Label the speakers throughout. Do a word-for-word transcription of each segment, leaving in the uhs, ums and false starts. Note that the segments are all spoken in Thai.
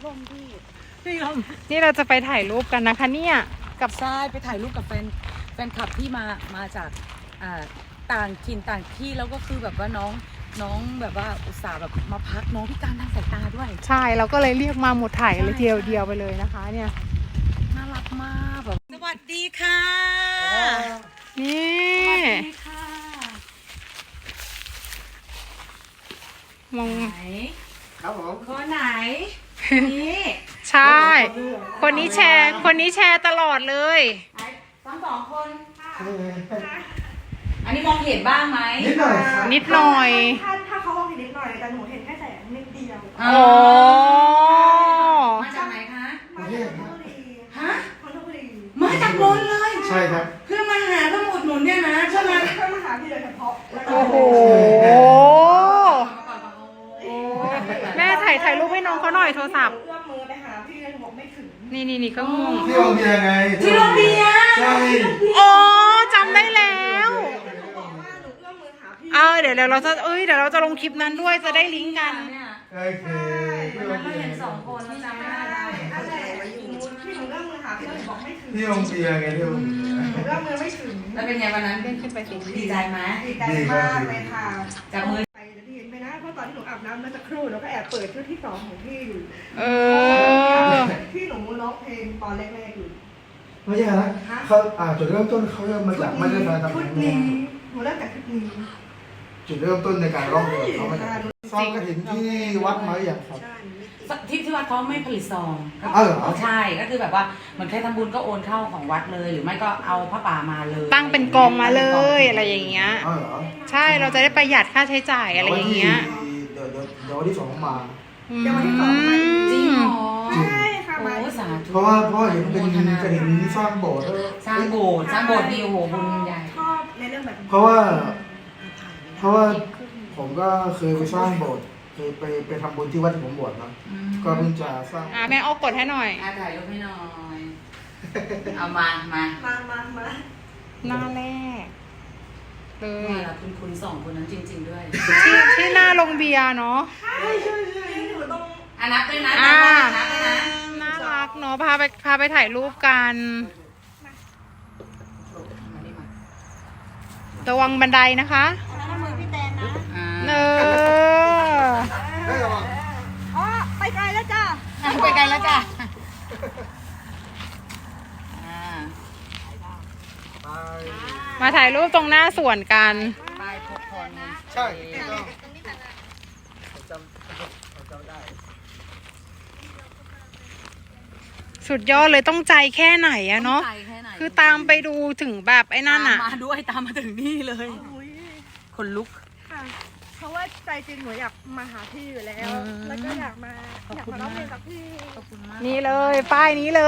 Speaker 1: ลมพี่
Speaker 2: พี่ลม
Speaker 3: นี่เราจะไปถ่ายรูปกันนะคะเนี่ยกับ
Speaker 2: ใช่ไปถ่ายรูปกับแฟนแฟนคลับที่มามาจากอ่าต่างถิ่นต่างที่แล้วก็คือแบบว่าน้องน้องแบบว่าอุตส่าห์แบบมาพักน้องพิการทางสายตาด้วย
Speaker 3: ใช่เราก็เลยเรียกมาหมดถ่ายเลยเดียวเดียวไปเลยนะคะ เนี่ย
Speaker 2: น่ารักมากแบบสวัสดีค่ะ
Speaker 3: นี่
Speaker 2: สวัสดีค่ะ
Speaker 3: มอง
Speaker 2: ไหน
Speaker 1: ครับผม
Speaker 2: คนไหนนี่
Speaker 3: ใช่ คนนี้แชร์ คนนี้แชร์ตลอดเลย
Speaker 2: ไหนทั้งสองคนอันนี้มองเห็นบ้างไหม
Speaker 1: นิดหน่อยครับ
Speaker 3: นิดหน่อย
Speaker 4: ถ้าถ้าเขามองเห็นนิดหน่อยแต่หนูเห็นแค่แสงนิดเดียว
Speaker 2: อ๋
Speaker 3: โอ้
Speaker 2: มาจากไหนคะ
Speaker 4: มาจากนนทบุรี
Speaker 2: ฮะ
Speaker 4: นนทบุรี
Speaker 2: มาจากนนท์เลย
Speaker 1: ใช่ครับ
Speaker 2: เพื่อมาหาเพื่อมาอุดหนุนเนี่ยนะใช่ไหม
Speaker 4: เพื่อมาหาพี่โดยเฉพาะแล้วก็
Speaker 3: โอ้โห แม่ถ่ายถ่ายรูปให้น้องเขาหน่อยโทรศัพท์
Speaker 4: เอื้อมมือไปหาพี่เลยหนูบอกไม่ถึง
Speaker 3: นี่นี่นี่ก็ง่วง
Speaker 1: ที่โรงเบียร์ไง
Speaker 2: ที่โรงเบียร์
Speaker 1: ใช่
Speaker 3: อ๋อจำได้แล้ว
Speaker 4: หนูบอกว่าหนูเอื้อมมือหาพี่
Speaker 3: เออเดี๋ยวเดี๋ยวเราจะเอ้ยเดี๋ยวเราจะลงคลิปนั้นด้วยจะได้ลิงก์กัน
Speaker 2: เนี่ย
Speaker 1: โอเคที่
Speaker 2: วัน
Speaker 1: โร
Speaker 2: นั้น
Speaker 1: ง
Speaker 2: เรา
Speaker 1: เบีย
Speaker 2: เห็น
Speaker 1: ร์
Speaker 2: สองคนแล้วจำไม่ได้
Speaker 4: อันไหนที่หนูที่หนูเอื้อมมือหาพี่เลยหนูบอกไม่ถึง
Speaker 1: ที่โรงเบียร์ไงที่โรงเบียร์
Speaker 4: หนูเอื้อมมือไม่ถึง
Speaker 2: แล้วเป็นไงวันนั้น
Speaker 3: เลื่อนขึ้นไปสิ
Speaker 2: ดีใจไหม
Speaker 4: ดีใจมากเลยค่ะ
Speaker 2: จับมือ
Speaker 4: ไปแล้วพี่เห็นไหมนะเพราะตอนที่หนูอาบน้ำเมื่อสักครู่หนูก็แอบเปิดชุดที่สองของพี่อยู่
Speaker 3: เออ
Speaker 4: ที่หนูร้องเพลงตอนแรกๆอยู่
Speaker 1: ไม่ใช่นะเขาอ่าจุดเริ่มต้นเขาเริ่มมาจากไม่ได้แฟนทำ
Speaker 4: ชุด
Speaker 1: งาน
Speaker 4: นี้หนูเริ่มจากชุดนี้
Speaker 1: จุดเริ่มต้นในการร้องเพลงเขามาจากซองกระถิ่นที่วัดมาอย่างครับ
Speaker 4: ใช่
Speaker 2: ที่ที่วัดเขาไม่ผลิตซอง
Speaker 1: อ้าวเหรอ
Speaker 2: ใช่ก็คือแบบว่าเหมือนใครทำบุญก็โอนเข้าของวัดเลย หรือไม่ก็เอาผ้าป่ามาเลย
Speaker 3: ตั้งเป็นกองมาเลยอะไรอย่างเงี้ย
Speaker 1: อ้าวเหรอ
Speaker 3: ใช่เราจะได้ประหยัดค่าใช้จ่ายอะไรอย่างเงี้ย
Speaker 1: เดี๋ยวเดี๋ยวเดี๋ยววันที่สองมา
Speaker 4: เดี๋ยววันที่สองมา
Speaker 2: จริงเหรอ
Speaker 4: ใช่ค่ะ
Speaker 2: โอ้
Speaker 4: มา
Speaker 2: สาธุ
Speaker 1: เพราะว่าเพราะว่าเห็นเป็นกระถิ่นสร้างโบสถ์
Speaker 2: สร้างโบสถ์สร้างโบสถ์ดีโอ้โหบุญใหญ่
Speaker 4: ชอบในเรื่องแบบนี้
Speaker 1: เพราะว่า เพราะว่าผมก็เคยไปสร้างโบสถ์เคยไปไปทำบุญที่วัดที่ผมบวชนะก็เพิ่งจะสร้าง
Speaker 3: อ่ะแม่เอากดให้หน่อย
Speaker 2: อ่ะถ่ายรูปให้หน่อย เอามามา
Speaker 4: มามามา
Speaker 3: หน้าแรกเล
Speaker 2: เอย อคุณคุณสองคนนั้นจริง ๆ ด้วย
Speaker 3: ที่ที่หน้าโรงเบียร์เนาะ
Speaker 4: ใช่ใช่ใช่หนูต้อง
Speaker 2: อ่ะนับด้วยนะ
Speaker 3: อ่า
Speaker 2: นับด้วยนะ
Speaker 3: น่ารักเนาะพาไปพาไปถ่ายรูปกันระวังบันไดนะคะ
Speaker 4: น้ำมือพี่แตนนะ
Speaker 2: อ่า
Speaker 3: เออ
Speaker 4: อ๋อไปไกลแล้วจ้า
Speaker 2: ไปไกลแล้วจ้ะอ่า
Speaker 3: มาถ่ายรูปตรงหน้าสวนกัน
Speaker 2: ไปพบคน
Speaker 1: ใช่ต้องจำจำได้
Speaker 3: สุดยอดเลยต้องใจแค่ไหนอะเนาะ
Speaker 2: ใจแค่ไหน
Speaker 3: คือตามไปดูถึงแบบไอ้นั่นอะ
Speaker 2: ตามมาด้วยตามมาถึงนี่เลย
Speaker 4: อุ้ย
Speaker 2: คนลุก
Speaker 4: ค่ะเพราะว่าใจจริงหนูอยากมาหาพี่อยู่แล้ว แล้วก็อยากมาอยากมาร้องเพลงกับพี่
Speaker 2: ขอบคุณมาก
Speaker 3: นี่เลยป้ายนี้เลย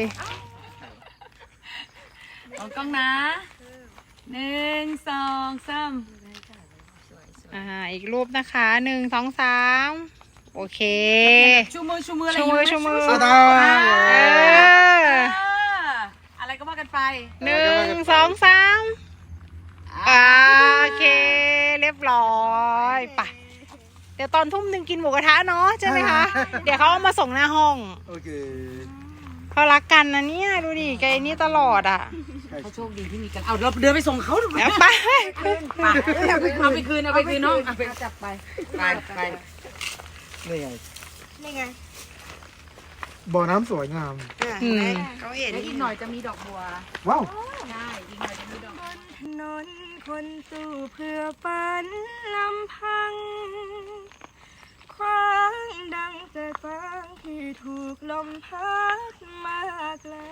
Speaker 2: เอากล้องนะหนึ่งสองสาม
Speaker 3: อ่าอีกรูปนะคะหนึ่งสองสามโอเค
Speaker 2: ชูมือชูมืออะไร
Speaker 3: ชูมือชูมือ
Speaker 1: สตา
Speaker 3: เออ
Speaker 2: อะไรก็ว่ากันไป
Speaker 3: หนึ่งสองสามโอเค เรียบร้อยไปเดี๋ยวตอนทุ่มหนึ่งกินหมูกระทะเนาะใช่ไหมคะ เดี๋ยวเขาเอามาส่งหน้าห้อง
Speaker 1: โอเค
Speaker 3: เขารักกันนะเนี่ยดูดิแกนี่ตลอดอ่ะ
Speaker 2: เขาโชคดีที่มีกันเอาเราเดินไปส่งเขาหรือเป
Speaker 3: แล้ว
Speaker 2: ล่า
Speaker 3: ไป
Speaker 2: ไปเอาไปคืนเอาไปคืนน้องเอาไปจับไปไปไป
Speaker 1: นี่ไง
Speaker 4: นี่ไง
Speaker 1: บ่อน้ำสวยงาม
Speaker 3: อืม
Speaker 4: เขาเห็น
Speaker 2: แล้วอีกหน่อยจะมีดอกบัว
Speaker 1: ว้าว
Speaker 2: ใช่อีกหน่อยจะมีดอก
Speaker 4: ถนนคนสู้เพื่อฝันลำพัง คว้างดังแต่ฟางที่ถูกลมพัดมาไกล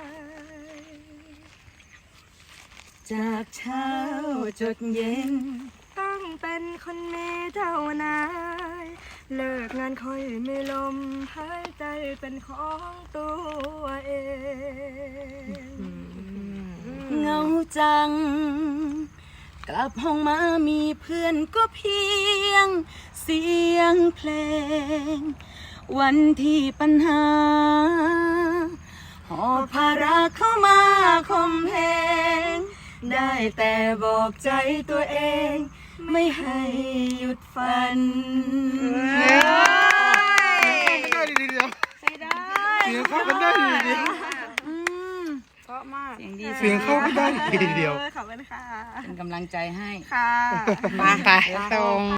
Speaker 2: จากเช้าจดเย็น
Speaker 4: ต้องเป็นคนมีเท่านายเลิกงานค่อยไม่ลมหายใจเป็นของตัวเอง
Speaker 2: เหงาจัง กลับห้องมามีเพื่อนก็เพียงเสียงเพลง วันที่ปัญหา หอบภาระเข้ามาคมเพงได้แต่บอกใจตัวเอง ไม่ให้หยุดฝัน
Speaker 1: เดี๋ยวเดี๋ยว
Speaker 2: ใช้ได้
Speaker 1: เสียงเข้ากันได้ทีเดียว
Speaker 2: อืม
Speaker 4: เพราะมาก
Speaker 2: เสียงดี
Speaker 1: เสียงเข้ากันได้ทีเดียว
Speaker 4: ขอบคุณค่ะ
Speaker 2: เป็นกำลังใจให้
Speaker 4: ค่ะ
Speaker 3: มาไปตรง